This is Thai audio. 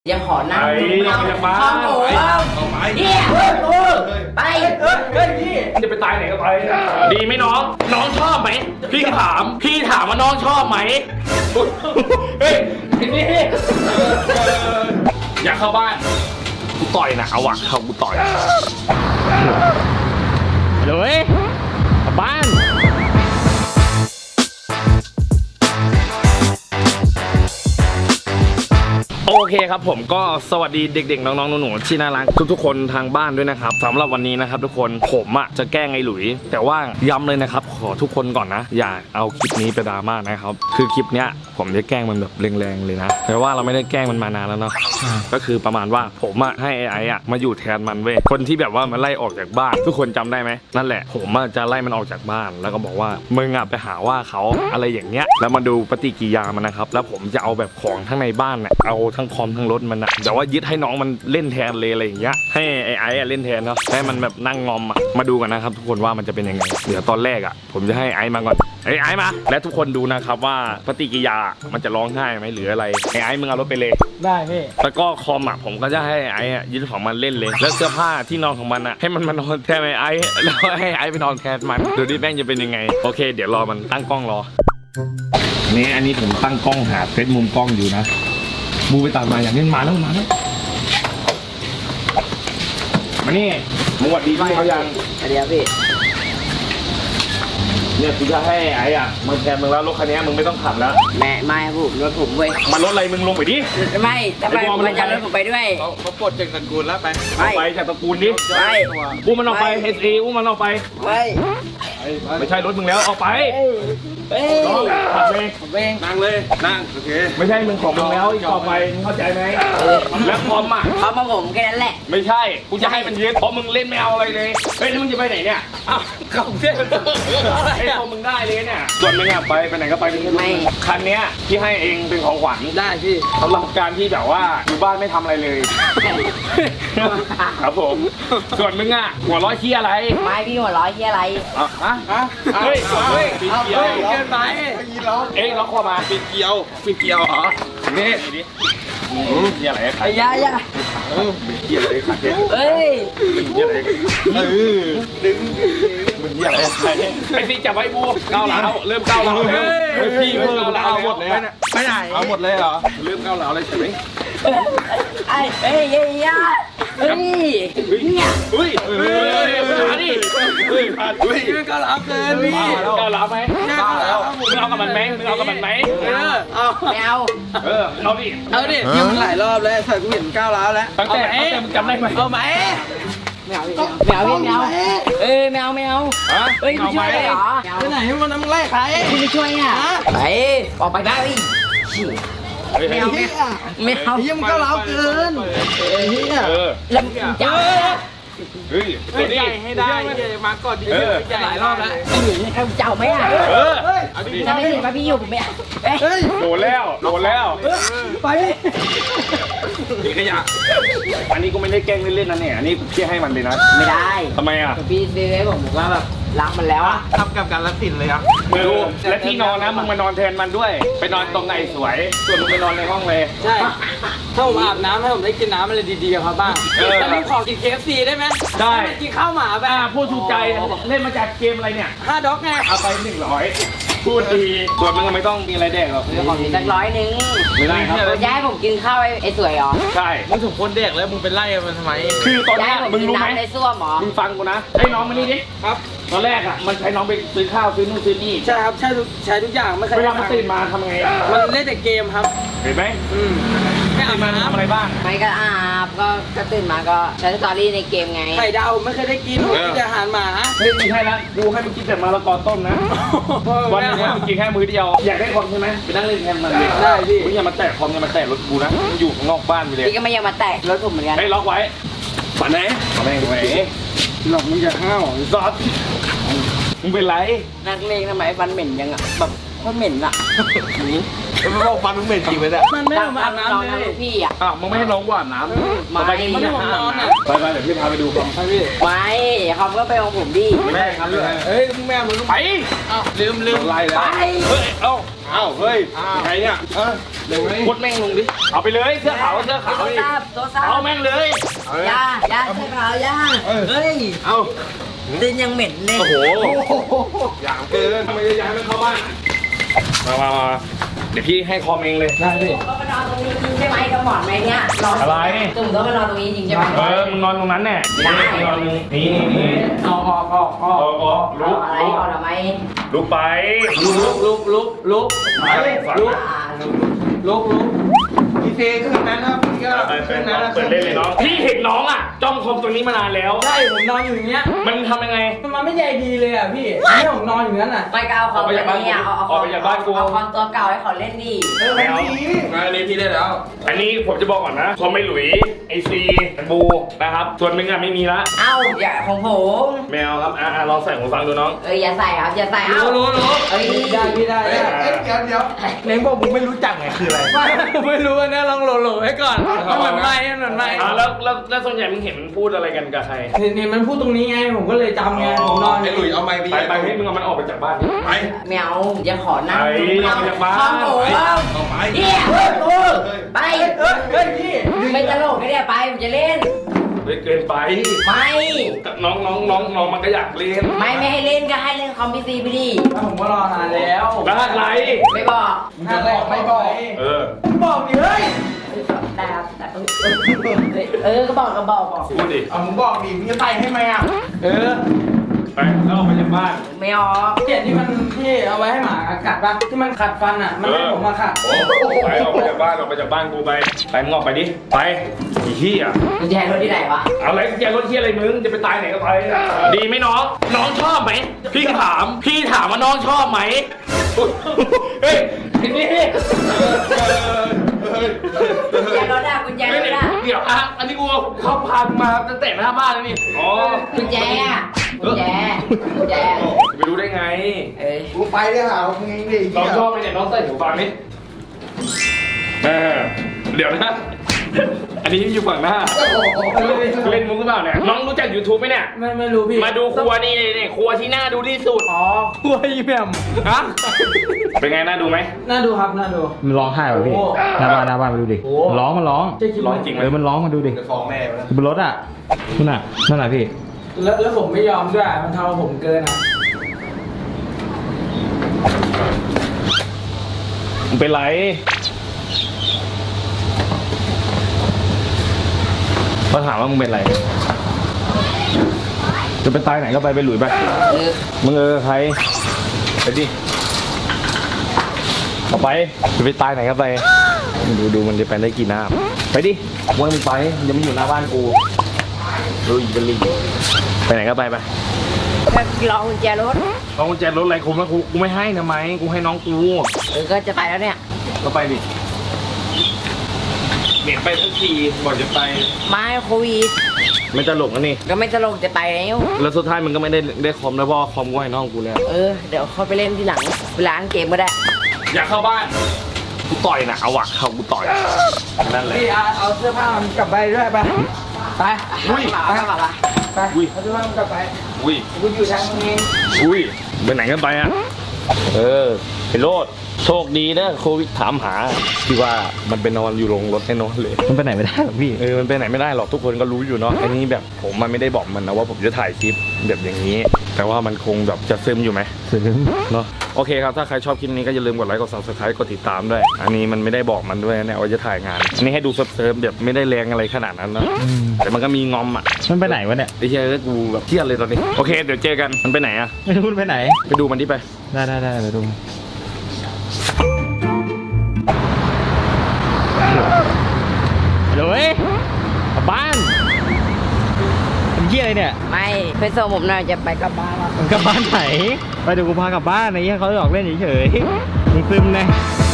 ยังขอนั่งดูข้าวหมูเนี่ยไปพี่จะไปตายไหนก็ไปดีไหมน้องชอบไหมพี่ถามว่าน้องชอบไหมเฮ้ยนี่อยากเข้าบ้านกูต่อยนะเอาว่ะเข้ากูต่อยเลยกลับบ้านโอเคครับผมก็สวัสดีเด็กๆน้องๆหนูๆที่น่ารักทุกๆคนทางบ้านด้วยนะครับสำหรับวันนี้นะครับทุกคนผมจะแกล้งไอ้หลุยแต่ว่าย้ำเลยนะครับขอทุกคนก่อนนะอย่าเอาคลิปนี้ไปดราม่านะครับคือคลิปเนี้ยผมจะแกล้งมันแบบแรงๆเลยนะแต่ว่าเราไม่ได้แกล้งมันมานานแล้วเนาะก็คือประมาณว่าผมให้ไอ้มาอยู่แทนมันเว้ยคนที่แบบว่ามันไล่ออกจากบ้านทุกคนจำได้ไหมนั่นแหละผมจะไล่มันออกจากบ้านแล้วก็บอกว่ามึงไปหาว่าเขาอะไรอย่างเงี้ยแล้วมาดูปฏิกิริยามันนะครับแล้วผมจะเอาแบบของทั้งในบ้านเนี่ยเอาทั้งคอมทั้งรถมันนะแต่ว่ายึดให้น้องมันเล่นแทนเลยอะไรอย่างเงี้ยให้ไอ้เล่นแทนเนาะให้มันแบบนั่งงอมมาดูกันนะครับทุกคนว่ามันจะเป็นยังไงเดี๋ยวตอนแรกผมจะให้ไอ้มาก่อนไอ้มาและทุกคนดูนะครับว่าปฏิกิริยามันจะร้องไห้ไหมหรืออะไรไอ้มึงเอารถไปเลยได้พี่แล้วก็คอมผมก็จะให้ไอ้ยึดของมันเล่นเลยแล้วเสื้อผ้าที่นอนของมันให้มันมานอนแทนไอ้แล้วให้ไอ้ไปนอนแทนมันดูดิแม่งจะเป็นยังไงโอเคเดี๋ยวรอมันตั้งกล้องรอนี่อันนี้ผมตั้งกล้องหาเซตมุมกล้องอยู่นะบูไปตัดมาอย่างนี้มาแล้วมานี่มึงหวัดดีพี่เขายังเดี๋ยวพี่เนี่ยกูจะให้ไอ้มึงแทนมึงแล้วรถคันนี้มึงไม่ต้องขับแล้วไม่ผมรถผมเว้ยมันรถอะไรมึงลงไปดิไม่ทำไมมันจะรถผมไปด้วยเขาปลดจากตระกูลแล้วไปจากตระกูลดิบูมันออกไปเฮซีบูมันออกไปไม่ใช่รถมึงแล้วออกไปน้องขับเองนั่งเลยนั่งโอเคไม่ใช่มึงของมึงแล้วอีกต่อไปมึงเข้าใจไหมแล้วคอมเขามาผมแค่นั้นแหละไม่ใช่กูจะให้มันยึดเพราะมึงเล่นไม่เอาอะไรเลยเฮ้ยแล้วมึงจะไปไหนเนี่ยอ้าวเขาเที่ยวไอ้พอมึงได้เลยเนี่ยส่วนมึงไปไหนก็ไปไม่คันนี้ที่ให้เองเป็นของขวัญได้พี่สำหรับการที่แบบว่าอยู่บ้านไม่ทำอะไรเลยครับผมส่วนมึงหัวร้อยที่อะไรไม่พี่หัวร้อยที่อะไรเฮ้ยเกินไปล็อกคอมาปิดเกียวเหรอนี่นี่อะไรไอ้ยาเป็นเกียร์อะไรขัดเนี่ยเอ้ยเป็นเกียร์อะไรดึงเป็นเกียร์อะไรไอ้ที่จับไว้บูก้าวหลังเริ่มก้าวหลังพี่เพิ่มก้าวหลังหมดเลยไปไหนเอาหมดเลยเหรอเริ่มก้าวหลังอะไรใช่ไหมเฮ้ยเนี่ยมาดิมันก้าวหลังเกินพี่ก้าวหลังไหมมึงเอากับมันไหมไม่เอาเอาดิยืมหลายรอบแล้วใส่กูเห็นก้าวหลังแล้วตั้งแต่มึงจำได้ไหมเอาไหมไม่เอาไม่เอาเฮ้ยไม่ช่วยเลยเหรอไปไหนมันน้ำไล่ใครคุณไม่ช่วยไปออกไปได้ไม่เอายืมก้าวหลังเกินแล้วจะเฮ้ยใหญ่ให้ได้มาก่อนดีหลายรอบแล้วเจ้าไหมจะไม่เห็นว่าพี่อยู่ผมไม่โดนแล้วไปขยะอันนี้ก็ไม่ได้แกล้งเล่นๆนะเนี่ยอันนี้พี่ให้มันเลยนะไม่ได้ทำไมพี่ซื้อให้ผมว่าแบบรักมันแล้วทำกับการรักสินเลยครับดูและที่นอนนะมึงมานอนแทนมันด้วยไปนอนตรงไหนสวยส่วนมึงไปนอนในห้องเลยใช่ถ้าผมอาบน้ำให้ผมได้กินน้ำอะไรดีๆครับบ้างแต่ผมขอกิน KFC ได้ไหมได้กินข้าวหมาไปพูดถูกใจเล่นมาจากเกมอะไรเนี่ย 5 ด็อกไงเอาไป100พูดดีส่วนมึงไม่ต้องมีอะไรแดกหรอกขอกินสัก100นึงไม่ได้ครับย้ายผมกินข้าวไอ้สวยเหรอใช่มึงสมควรแดกแล้วมึงเป็นไล่มันทำไมคือตอนนี้มึงรู้ไหมในซ่วมหรอมึงฟังกูนะให้น้องมานี่ดิครับตอนแรกมันใช้น้องไปซื้อข้าวซื้อนู่นซื้อนี่ใช่ครับใช้ทุกอย่างไม่เคยเวลามันตื่นมาทำไงมันเล่นแต่เกมครับเห็นไหมไม่อาบน้ำทำอะไรบ้างไม่ก็อาบก็ตื่นมาก็ใช้สตอรี่ในเกมไงไข่ดาวไม่เคยได้กินกินแต่อาหารหมาไม่ใช่ละกูให้มึงกินแต่มะละกอต้มนะวันนี้มึงกินแค่มื้อเดียวอยากได้คอมใช่ไหมไปนั่งเล่นแทนมันเลยได้พี่มึงอย่ามาแตะคอมอย่ามาแตะรถกูนะมึงอยู่ข้างนอกบ้านไปเลยพี่ก็ไม่ยังมาแตะรถผมเหมือนกันให้ล็อกไว้ฝันไหนฝันไหนหลอกมึงจะห้าวซอสมึงเป็นไรนักเลงทำไมฟันเหม็นยังแบบก็เหม็นมันบอกฟันมึงเหม็นจริงไหมเนี่ยมันไม่ผมอาบน้ำเลยพี่อ่ะอ้าวมึงไม่ให้น้องว่าน้ำไม่ไปกินไม่ผมนอนอ่ะไปเดี๋ยวพี่พาไปดูครับไปพี่ไม่เขาก็ไปของผมดิแม่ครับเฮ้ยมึงแม่มึงไปอ้าวลืมไล่แล้วไปเฮ้ยเอ้าอ้าวเฮ้ยใครเนี่ยเดี๋ยวไงกดแม่งลงดิเอาไปเลยเสื้อขาวเสื้อขาวโทรดิศัพท์โทรศัพเอาท์แม่งเลยย่าเสื้อขาวย่าเฮ้ยเอ้าตีนยังเหม็นเลยโอ้โหอย่างเกินทำไมจะย้ายมันเข้าบ้านมาเดี๋ยวพี่ให้คอมเองเลยได้พี่ก็มานอนตรงนี้จริงใช่ไหมกับหมอนไหมเนี่ยนอนอะไรตุ่มก็มานอนตรงนี้จริงใช่ไหมมึงนอนตรงนั้นแน่นี่นอนนี่เอาออกลุกอะไรก่อนทำไมลุกไปลุกไปฝังลุกพี่เฟขึ้นนั้นนะพี่ก็ขึ้นนั้นนะเปิดเล่นเลยน้องพี่เห็นน้องอ่ะจ้องคอมตัวนี้มานานแล้วใช่ผมนอนอยู่อย่างเงี้ยมันทำยังไงมันไม่ใหญ่ดีเลยอ่ะพี่นี่ผมนอนอยู่นั้นอ่ะไปก็เอาคอมตัวนี้เอาคอมตัวเก่าให้เขาเล่นดิไม่เอาอันนี้พี่ได้แล้วอันนี้ผมจะบอกก่อนนะคอมไม่หลุยไอซีบูนะครับส่วนมึงอ่ะไม่มีละเอ้าอย่าของผมแมวครับลองใส่หูฟังดูน้องอย่าใส่ครับอย่าใส่เอ้ารู้เฮ้ยได้พี่ได้เดี๋ยวเล้งบอกมึงไม่รู้จักไงคืออะไรผมไม่รู้นะลองโหลไว้ก่อนมันเหมือนไม่แล้วส่วนใหญ่มึงเห็นมันพูดอะไรกันกับใครนี่มันพูดตรงนี้ไงผมก็เลยจำไงผมนอนไอ้หลุยเอาไม้ไปให้มึงเอามันออกไปจากบ้านไปแมวอย่าขอนั่งไปเอาบ้านของผมเอาไปเฮียไปเฮ้ยพี่ไม่ตลกไม่ได้ไปผมจะเล่นเกินไปไม่น้องมันก็อยากเล่นไม่ให้เล่นก็ให้เล่นคอมพิวเตอร์ไปดิผมก็รอนานแล้วแล้วอะไรไม่บอกน่าบอกไม่บอก บอกดิเฮ้ยได้ครับแต่ก็บอกก็บอกพูดดิเอามึงบอกดิมึงจะไปให้ไหมอ่ะไปแล้วออกไปจากบ้านไม่ออกเขียนที่มันที่เอาไว้ให้หมากัดปะที่มันขัดฟันอ่ะมันให้ผมมาขัดไปออกไปจากบ้านกูไปมึงออกไปดิไปอีเหี้ยกุญแจรถที่ไหนวะเอาอะไรแกรถเหี้ยอะไรมึงจะไปตายไหนก็ไปดีไหมน้องชอบไหมพี่ถามว่าน้องชอบไหมเฮ้ยนี่กุญแจรถอะกุญแจรถอะเดี๋ยวอันนี้กูเขาพากูมาตั้งแต่หน้าบ้านแล้วนี่อ๋อกุญแจอะกุญแจไปรู้ได้ไงกูไปได้หามึงเองดิน้องชอบไหมเนี่ยน้องใส่หูฟังนี่เดี๋ยวนะ อันนี้อยู่ฝั่งหน้าเล่นมุกหรือเปล่าเนี่ยน้องรู้จัก YouTube ไหมเนี่ยไม่รู้พี่มาดูครัวนี่ครัวที่น่าดูที่สุดอ๋อครัวอีแมมฮะเป็นไงน่าดูไหมน่าดูครับน่าดูมันร้องไห้ป่ะพี่โอ้หน้าบ้านมาดูดิโอ้มันร้องใช่คิดร้อว่างจริงไหมมันร้องมาดูดิจะฟ้องแม่แล้วบนรถอ่ะนู่นน่ะนั่นแหละพี่แล้วผมไม่ยอมด้วยมันทำผมเกินอ่ะมึงเป็นไรเขาถามว่ามึงเป็นไรจะไปตายไหนก็ไปหลุยไปมึงใครไปดิเอาไปจะไปตายไหนก็ไปดูมันจะไปได้กี่น้ำไปดิว่ามึงไปยังไม่อยู่หน้าบ้านกูดูอีกเป็นลิงไปไหนก็ไปก็รอกุญแจรถเอากุญแจรถอะไรกูไม่ให้นะไหมกูให้น้องกูก็จะไปแล้วเนี่ยก็ไปดิเหม็นไปทั้งทีบอกจะไปมาโควิดไม่ตลกนะนี่ก็ไม่ตลกจะไปแล้วแล้วสุดท้ายมันก็ไม่ได้คอมแล้วเพราะคอมกูให้น้องกูแล้วเดี๋ยวเขาไปเล่นที่หลังเวลาเกมก็ได้อยากเข้าบ้านกูต่อยนะเอาอะเข้ากูต่อยนั่นแหละพี่เอาเสื้อผ้ามันกลับไปด้วยไปไปอุ้ยไปกลับมาไปเอาเสื้อผ้ามันกลับไปอุ้ยกูอยู่ทางนี้อุ้ยไปไหนกันไปอะไปโลดโชคดีนะโควิดถามหาที่ว่ามันไปนอนอยู่โรงรถให้นอนเลยมันไปไหนไม่ได้หรอกพี่มันไปไหนไม่ได้หรอกทุกคนก็รู้อยู่เนาะอันนี้แบบผมมันไม่ได้บอกมันนะว่าผมจะถ่ายคลิปแบบอย่างนี้ แต่ว่ามันคงแบบจะซึมอยู่ไหมถึงเนาะโอเคครับถ้าใครชอบคลิปนี้ก็อย่าลืมกดไลค์กด subscribe กดติดตามด้วย อันนี้มันไม่ได้บอกมันด้วยนะว่าจะถ่ายงานอันนี้ให้ดูเซิร์ฟแบบไม่ได้แรงอะไรขนาดนั้นนะแต่มันก็มีงอมอ่ะมันไปไหนวะเนี่ยไอ้เหี้ยกูแบบเครียดเลยตอนนี้โอเคเดี๋ยวเจอกันมันไปไหนอะไม่รู้มันไปไหนไปดูมันดิไปได้เดี๋ยวดูเลยกลับบ้านเป็นเหี้ยอะไรเนี่ยไม่ไปส่งผมหน่อยจะไปกลับบ้านแล้วมึงกลับบ้านไหน ไปเดี๋ยวกูพากลับบ้านไอ้เหี้ยเขาหยอกเล่นเฉยๆมึงซึมนะ